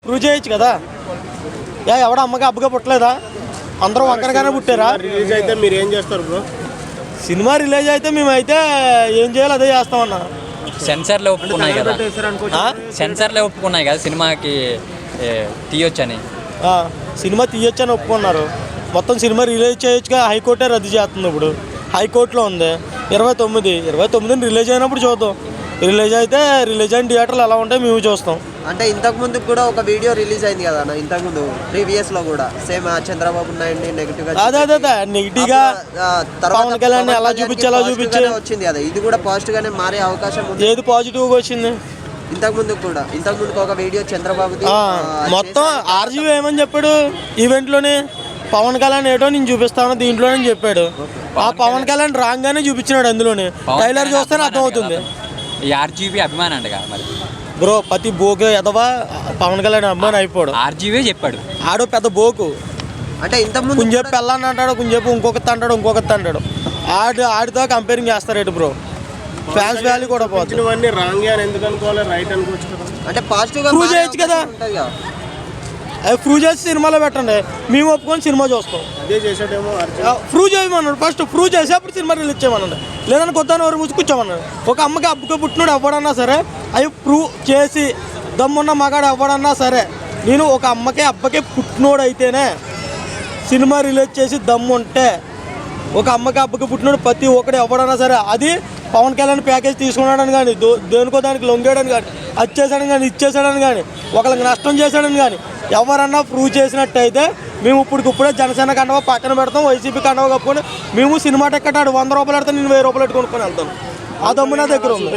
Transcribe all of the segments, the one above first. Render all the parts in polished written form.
Prove చేయొచ్చు కదా. ఎవడ అమ్మగా అబ్బగా పుట్టలేదా? అందరూ వంకరగానే పుట్టారా? రిలీజ్ అయితే మీరు ఏం చేస్తారు బ్రో? సినిమా రిలీజ్ అయితే మేమైతే ఏం చేయాలో అదే చేస్తామన్నా. సెన్సార్లో ఒప్పుకున్నాయి కదా, సెన్సార్లో ఒప్పుకున్నాయి కదా సినిమాకి తీయొచ్చని. సినిమా తీయొచ్చని ఒప్పుకున్నారు. మొత్తం సినిమా రిలీజ్ చేయొచ్చుగా, హైకోర్టే రద్దు చేస్తుంది. ఇప్పుడు హైకోర్టులో ఉంది 29 రిలీజ్ అయినప్పుడు చూద్దాం. రిలీజ్ అయిన థియేటర్లు ఎలా ఉంటాయి మేము చూస్తాం. అంటే ఇంతకుముందు కూడా ఒక వీడియో రిలీజ్ అయింది కదా అన్న, ఇంతకుముందు ప్రీవియస్లో కూడా సేమ్ చంద్రబాబు నాయుడు నెగిటివ్గా నెగిటివ్గా పవన్ కళ్యాణ్ ఎలా చూపించాలో చూపించే వచ్చింది కదా. ఇది కూడా పాజిటివ్గానే మారే అవకాశం ఉంది. ఏది పాజిటివ్గా వచ్చింది? ఇంతకుముందు ఒక వీడియో చంద్రబాబుది మొత్తం ఆర్జీవీ ఏమని చెప్పాడు ఈవెంట్లోనే, పవన్ కళ్యాణ్ ఏటో నేను చూపిస్తాను దీంట్లోనే చెప్పాడు. ఆ పవన్ కళ్యాణ్ రాగానే చూపించినాడు అందులోనే. ట్రైలర్ చూస్తేనే అర్థమవుతుంది. ఆర్జీవీ అభిమాని అంటగా మరి బ్రో. ప్రతి బోకు ఎదవా పవన్ కళ్యాణ్ అభిమాని అయిపోడు. ఆర్జీవీ చెప్పాడు ఆడో పెద్ద బోకు. అంటే ఇంతకుముందు కొంచెంసేపు పెళ్ళాన్ని అంటాడు, కొంచెంసేపు ఇంకొకటి అంటాడు. ఆడితో కంపేరింగ్ చేస్తారు బ్రో. ఫ్యాన్స్ వాల్యూ కూడా పోతుంది. రాంగ్ అని ఎందుకు అనుకోవాలి, రైట్ అనుకోవచ్చు కదా. అంటే పాజిటివ్గా ప్రూవ్ చేయొచ్చు కదా. అది ప్రూవ్ చేసి సినిమాలో పెట్టండి, మేము ఒప్పుకొని సినిమా చూస్తాం. అదే చేసాడేమో. ప్రూవ్ చేయమన్నాడు. ఫస్ట్ ప్రూవ్ చేసి అప్పుడు సినిమా రిలీజ్ చేయమన్నాడు. లేదని కొత్త ఎవరు మూసి కూర్చోమన్నాడు. ఒక అమ్మకి అబ్బకి పుట్టినోడు ఎవడన్నా సరే అవి ప్రూవ్ చేసి దమ్మున్న మగాడు ఎవడన్నా సరే, నేను ఒక అమ్మకి అబ్బకి పుట్టినోడు అయితేనే సినిమా రిలీజ్ చేసి దమ్ము ఉంటే, ఒక అమ్మకి అబ్బకి పుట్టినోడు ప్రతి ఒక్కడు ఎవడన్నా సరే, అది పవన్ కళ్యాణ్ ప్యాకేజ్ తీసుకున్నాడని కానీ, దేనికో దానికి లొంగాడని కానీ, వచ్చేసాడని కానీ, ఇచ్చేసాడని కానీ, ఒకరికి నష్టం చేశాడని కానీ ఎవరన్నా ప్రూవ్ చేసినట్టయితే మేము ఇప్పుడే జనసేన కండవ పక్కన పెడతాం, వైసీపీ కండవ కప్పుకొని మేము సినిమా టికెట్ 100 రూపాయలు పెడతాం, నేను 1000 రూపాయలు కొనుక్కొని వెళ్తాను. ఆ దమ్ము నా దగ్గర ఉంది.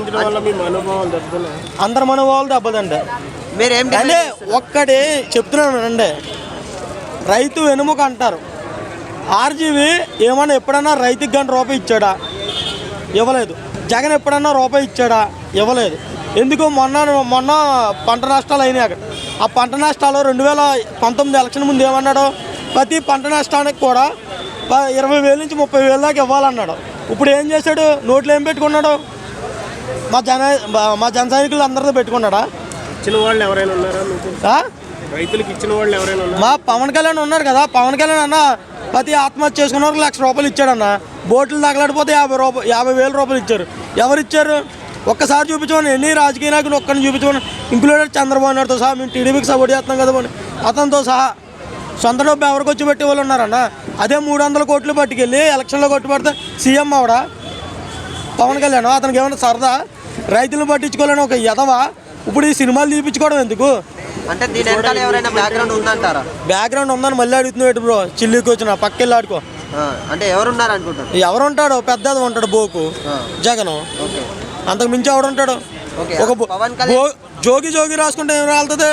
అందరి మనోభావాలు దెబ్బతండి. అంటే ఒక్కటి చెప్తున్నాను అండి, రైతు వెనుముక అంటారు. ఆర్జీవీ ఏమన్నా ఎప్పుడన్నా రైతుకి గంట రూపాయి ఇచ్చాడా? ఇవ్వలేదు. జగన్ ఎప్పుడన్నా రూపాయి ఇచ్చాడా? ఇవ్వలేదు. ఎందుకు? మొన్న పంట నష్టాలు అయినాయి అక్కడ. ఆ పంట నష్టాలు 2019 ఎలక్షన్ ముందు ఏమన్నాడు? ప్రతి పంట నష్టానికి కూడా 20,000 నుంచి 30,000 దాకా ఇవ్వాలన్నాడు. ఇప్పుడు ఏం చేశాడు? నోట్లు ఏం పెట్టుకున్నాడు? మా జన సైనికులు అందరితో పెట్టుకున్నాడా? ఇచ్చిన వాళ్ళు ఎవరైనా ఉన్నారా? రైతులకు ఇచ్చిన వాళ్ళు ఎవరైనా ఉన్నారా? మా పవన్ కళ్యాణ్ ఉన్నారు కదా. పవన్ కళ్యాణ్ అన్న ప్రతి ఆత్మహత్య చేసుకున్న వాళ్ళకి 1,00,000 రూపాయలు ఇచ్చాడన్న. బోట్లు తగలడిపోతే 50,000 రూపాయలు ఇచ్చారు. ఎవరు ఇచ్చారు? ఒక్కసారి చూపించమని. ఎన్ని రాజకీయ నాయకులు ఒక్కరిని చూపించమని, ఇంక్లూడెడ్ చంద్రబాబు నాయుడుతో సహా. మేము టీడీపీకి సపోర్ట్ చేస్తున్నాం కదా అని అతనితో సహా సొంత డబ్బు ఎవరికి వచ్చి పెట్టి వాళ్ళు ఉన్నారన్న. అదే 300 కోట్లు పట్టుకెళ్ళి ఎలక్షన్లో కొట్టుపడితే సీఎం అవడా పవన్ కళ్యాణ్? అతనికి ఏమైనా సరదా? రైతులను పట్టించుకోవాలని ఒక ఎదవా ఇప్పుడు ఈ సినిమాలు తీపించుకోవడం ఎందుకు? అంటే దీని వెనకాల ఎవరైనా బ్యాక్గ్రౌండ్ ఉందంటారా? బ్యాక్గ్రౌండ్ ఉందని మళ్ళీ అడుగుతున్నాడు బ్రో. చిల్లికి వచ్చిన పక్కెళ్ళి ఆడుకో. అంటే ఎవరున్నారు అనుకుంటారు? ఎవరు ఉంటాడు? పెద్దది ఉంటాడు బోకు జగన్. అంతకు మించి ఎవడుంటాడు? ఒక జోగి రాసుకుంటే ఏం రాలుతుంది?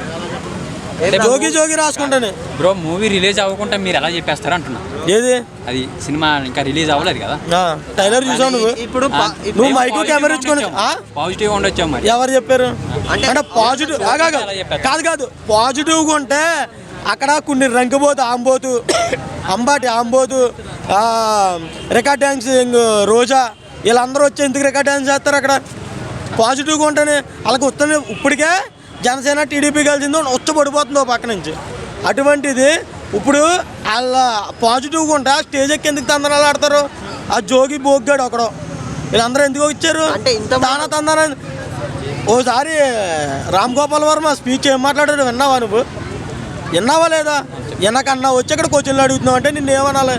జోగి రాసుకుంటానే బ్రో. మూవీ రిలీజ్ అవ్వకుండా మీరు ఎలా చెప్పేస్తారు అంటున్నా. ఏది? అది సినిమా ఇంకా రిలీజ్ అవ్వలేదు కదా. ట్రైలర్ చూసావు నువ్వు? నువ్వు మైకు కెమెరా ఇచ్చుకొని పాజిటివ్ ఉండొచ్చా మరి? ఎవరు చెప్పారు? అంటే పాజిటివ్ కాదు. పాజిటివ్గా ఉంటే అక్కడ కొన్ని రంగబోతు ఆంబోతు రికార్డ్ డాన్సింగ్ రోజా వీళ్ళందరూ వచ్చి ఎందుకు రికార్డ్ డాన్స్ చేస్తారు అక్కడ? పాజిటివ్గా ఉంటేనే వాళ్ళకి వస్తుంది. ఇప్పటికే జనసేన టీడీపీ కలిసిందో వచ్చబడిపోతుందో పక్క నుంచి. అటువంటిది ఇప్పుడు వాళ్ళ పాజిటివ్గా ఉంటే స్టేజ్ ఎక్కి ఎందుకు తందనాలు ఆడతారు? ఆ జోగి బోగ్గాడు ఒకడు. వీళ్ళందరూ ఎందుకు వచ్చారు? తానా తందన. ఓసారి రామ్ గోపాల్ వర్మ స్పీచ్ ఏం మాట్లాడాడు విన్నావా నువ్వు? విన్నావా లేదా? వెనకన్నా వచ్చి అక్కడ క్వశ్చన్లు అడుగుతున్నావు అంటే నిన్ను ఏమనాలి?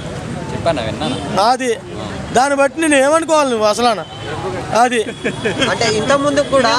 అది దాన్ని బట్టి నేను ఏమనుకోవాలి నువ్వు అసలు? అది అంటే ఇంత ముందు కూడా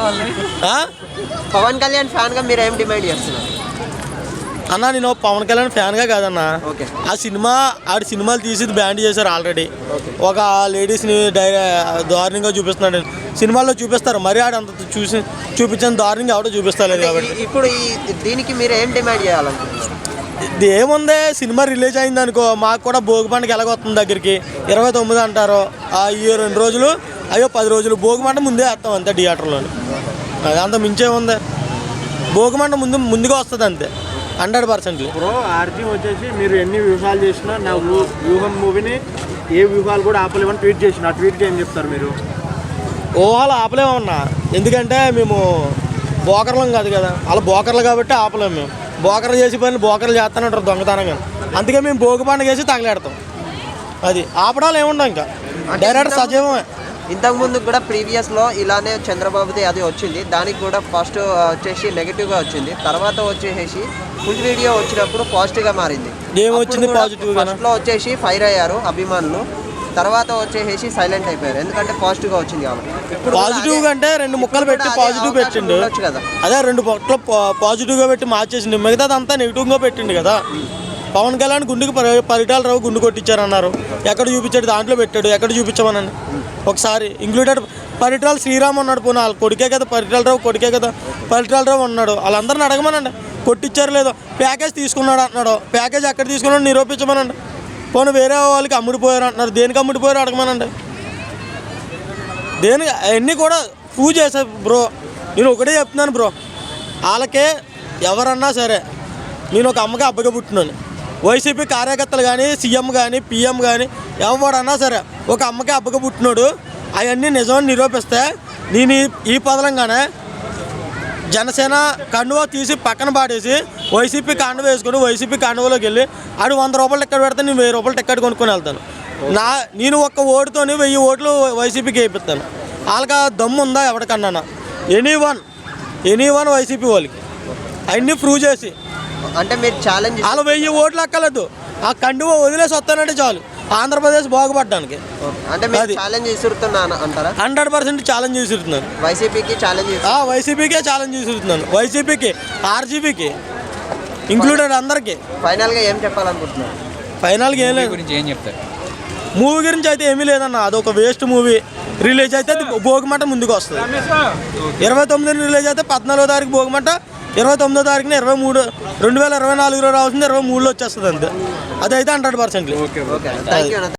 పవన్ కళ్యాణ్ ఫ్యాన్ గా మీరు ఏం డిమాండ్ చేస్తున్నారు అన్నా? నేను పవన్ కళ్యాణ్ ఫ్యాన్గా కాదన్నా. ఆ సినిమాలు తీసి బ్యాన్ చేశారు ఆల్రెడీ. ఒక లేడీస్ని దారుణంగా చూపిస్తున్నాడు. సినిమాల్లో చూపిస్తారు, మరి ఆడంత చూపించిన దారుణంగా ఎవడో చూపిస్తలేదు. కాబట్టి ఇప్పుడు దీనికి మీరు ఏం డిమాండ్ చేయాలనుకుంటున్నారు? ఇది ఏముంది? సినిమా రిలీజ్ అయింది అనుకో, మాకు కూడా భోగి పండుగ ఎలాగొస్తుంది దగ్గరికి. 29 అంటారు. ఈ 2 రోజులు 10 రోజులు భోగి మంట ముందే వేస్తాం అంతే థియేటర్లో. అది అంత మించే ఉంది. భోగి మంట ముందుగా వస్తుంది అంతే 100%. బ్రో ఆర్జీ వచ్చేసి మీరు ఎన్ని వ్యూహాలు చేసినా నా వ్యూహం మూవీని ఏ వ్యూహాలు కూడా ఆపలేమని ట్వీట్ చేసిన. ఆ ట్వీట్కి ఏం చెప్తారు మీరు? ఊహలు ఆపలేమన్నా. ఎందుకంటే మేము బోకర్లం కాదు కదా, అలా బోకర్లు కాబట్టి ఆపలేము మేము. బోకర్లు చేసి పని బోకర్లు చేస్తానంటారు దొంగతనంగా, అందుకే మేము భోగి పండుగ వేసి తగలేడతాం. అది ఆపడాలు ఏముండవు, ఇంకా డైరెక్ట్ సజీవమే. ఇంతకుముందు కూడా ప్రీవియస్లో ఇలానే చంద్రబాబుది అది వచ్చింది, దానికి కూడా ఫస్ట్ వచ్చేసి నెగిటివ్గా వచ్చింది, తర్వాత వచ్చేసి ఫుల్ వీడియో వచ్చినప్పుడు పాజిటివ్గా మారింది. ఏమొచ్చింది పాజిటివ్గా? ఫస్ట్లో వచ్చేసి ఫైర్ అయ్యారు అభిమానులు, తర్వాత వచ్చేసి సైలెంట్ అయిపోయారు, ఎందుకంటే పాజిటివ్గా వచ్చింది కాబట్టి. పాజిటివ్ అంటే 2 ముక్కలు పెట్టి పాజిటివ్ పెట్టిండు కదా, అదే 2 పొట్లు పాజిటివ్గా పెట్టి మార్చేసిండు, మిగతాదంతా నెగిటివ్గా పెట్టిండు కదా. పవన్ కళ్యాణ్ గుండెకి పరిటాల రావు గుండు కొట్టించారన్నారు, ఎక్కడ చూపించాడు దాంట్లో పెట్టాడు, ఎక్కడ చూపించమనండి ఒకసారి. ఇంక్లూడెడ్ పరిటాల శ్రీరామ్ ఉన్నాడు, పోనీ వాళ్ళ కొడుకే కదా పరిటాల రావు, కొడుకే కదా పరిటాల రావు ఉన్నాడు, వాళ్ళందరిని అడగమనండి కొట్టించారు లేదో. ప్యాకేజ్ తీసుకున్నాడు అంటున్నాడు, ప్యాకేజ్ ఎక్కడ తీసుకున్నాడు నిరూపించమనండి. పోనీ వేరే వాళ్ళకి అమ్ముడిపోయారు అంటున్నారు, దేనికి అమ్ముడిపోయారు అడగమనండి. దేనికి అవన్నీ కూడా ప్రూవ్ చేశారు బ్రో. నేను ఒకటే చెప్తున్నాను బ్రో, వాళ్ళకే ఎవరన్నా సరే, నేను ఒక అమ్మకి అబ్బగా పుట్టినాను, వైసీపీ కార్యకర్తలు కానీ సీఎం కానీ పిఎం కానీ ఎవడన్నా సరే ఒక అమ్మకి అబ్బగా పుట్టినాడు, అవన్నీ నిజమని నిరూపిస్తే నేను ఈ పదలంగానే జనసేన కండువా తీసి పక్కన పాడేసి వైసీపీ కండువ వేసుకొని వైసీపీ కండువలోకి వెళ్ళి ఆడు 100 రూపాయలు టికెట్ పెడితే నేను 1000 రూపాయలు టికెట్ కొనుక్కొని వెళ్తాను. నేను ఒక్క ఓటుతోని 1000 ఓట్లు వైసీపీకి వేయిస్తాను. వాళ్ళకి దమ్ము ఉందా ఎవరికన్నా? ఎనీ వన్ వైసీపీ వాళ్ళకి అవన్నీ ప్రూవ్ చేసి, అంటే మీరు ఛాలెంజ్ వాళ్ళు 1000 ఓట్లు అక్కలేదు, ఆ కండువ వదిలేసి వస్తానంటే చాలు ఆంధ్రప్రదేశ్ బాగుపడడానికి. అంటే మీరు ఛాలెంజ్ విసురుతున్నాను అంటారా? 100% ఛాలెంజ్ చేస్తున్నాను. వైసీపీకి ఛాలెంజ్ వైసీపీకే ఛాలెంజ్ చేస్తున్నాను, వైసీపీకి ఆర్జీపీకి ఇంక్లూడెడ్ అందరికీ. ఫైనల్గా ఏం చెప్పాలనుకుంటున్నారు? ఫైనల్గా ఏం లేదు, గురించి ఏం చెప్తారు? మూవీ గురించి అయితే ఏమీ లేదన్న, అదొక వేస్ట్ మూవీ. రిలీజ్ అయితే అది భోగిమంట ముందుకు వస్తుంది. 29 రిలీజ్ అయితే 14వ తారీఖు భోగిమంట, 29వ తారీఖున 2024లో రావాల్సింది 23లో వచ్చేస్తుంది అంతే. అదైతే 100%. Okay thank you.